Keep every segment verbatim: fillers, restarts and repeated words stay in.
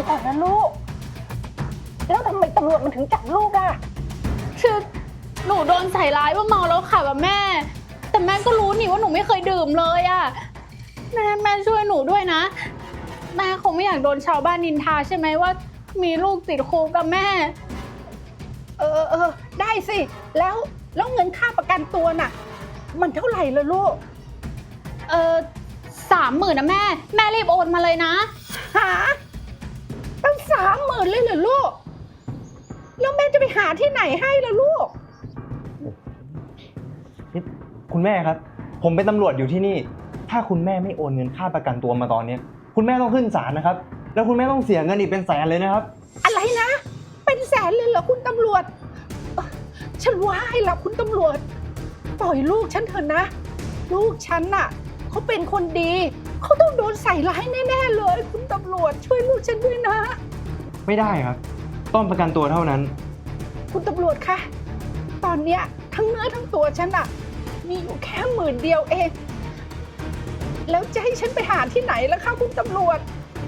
ก่อนนะลูกแล้วทำไมตำรวจมันถึงจับลูกอ่ะคือหนูโดนใส่ร้ายว่าเมาแล้วขับอะแม่ แต่แม่ก็รู้นี่ว่าหนูไม่เคยดื่มเลยอะแม่แม่ช่วยหนูด้วยนะแม่คงไม่อยากโดนชาวบ้านนินทาใช่ไหมว่ามีลูกติดคุกกับแม่เออเออได้สิแล้วแล้วเงินค่าประกันตัวน่ะมันเท่าไหร่ละลูกเออสามหมื่นนะแม่แม่รีบโอนมาเลยนะหาตั้งสามหมื่นเลยเหรอลูกแล้วแม่จะไปหาที่ไหนให้ล่ะลูกนี่คุณแม่ครับผมเป็นตำรวจอยู่ที่นี่ถ้าคุณแม่ไม่โอนเงินค่าประกันตัวมาตอนนี้คุณแม่ต้องขึ้นศาลนะครับแล้วคุณแม่ต้องเสียเงินอีกเป็นแสนเลยนะครับอะไรนะเป็นแสนเลยเหรอคุณตำรวจฉันว่าให้ละคุณตำรวจปล่อยลูกฉันเถอะนะลูกฉันน่ะเขาเป็นคนดีเขาต้องโดนใส่ร้ายแน่ๆเลยคุณตำรวจช่วยลูกฉันด้วยนะไม่ได้ครับต้องประกันตัวเท่านั้นคุณตำรวจคะตอนเนี้ยทั้งเนื้อทั้งตัวฉันอะมีอยู่แค่หมื่นเดียวเองแล้วจะให้ฉันไปหาที่ไหนล่ะคะคุณตำรวจ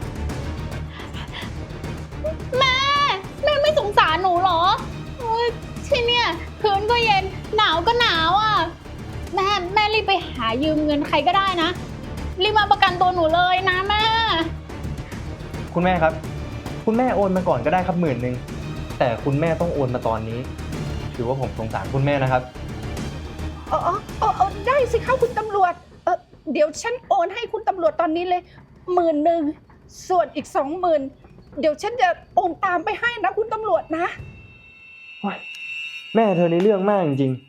แม่แม่ไม่สงสารหนูเหรอโอ๊ยที่เนี่ยพื้นก็เย็นหนาวก็หนาวอ่ะแม่แม่รีบไปหายืมเงินใครก็ได้นะรีบมาประกันตัวหนูเลยนะแม่คุณแม่ครับคุณแม่โอนมาก่อนก็ได้ครับหมื่นหนึ่งแต่คุณแม่ต้องโอนมาตอนนี้ถือว่าผมสงสารคุณแม่นะครับเออเออเออเออได้สิคะคุณตำรวจเออเดี๋ยวฉันโอนให้คุณตำรวจตอนนี้เลยหมื่นหนึ่งส่วนอีกสองหมื่นเดี๋ยวฉันจะโอนตามไปให้นะคุณตำรวจนะแม่เธอในเรื่องมากจริงๆ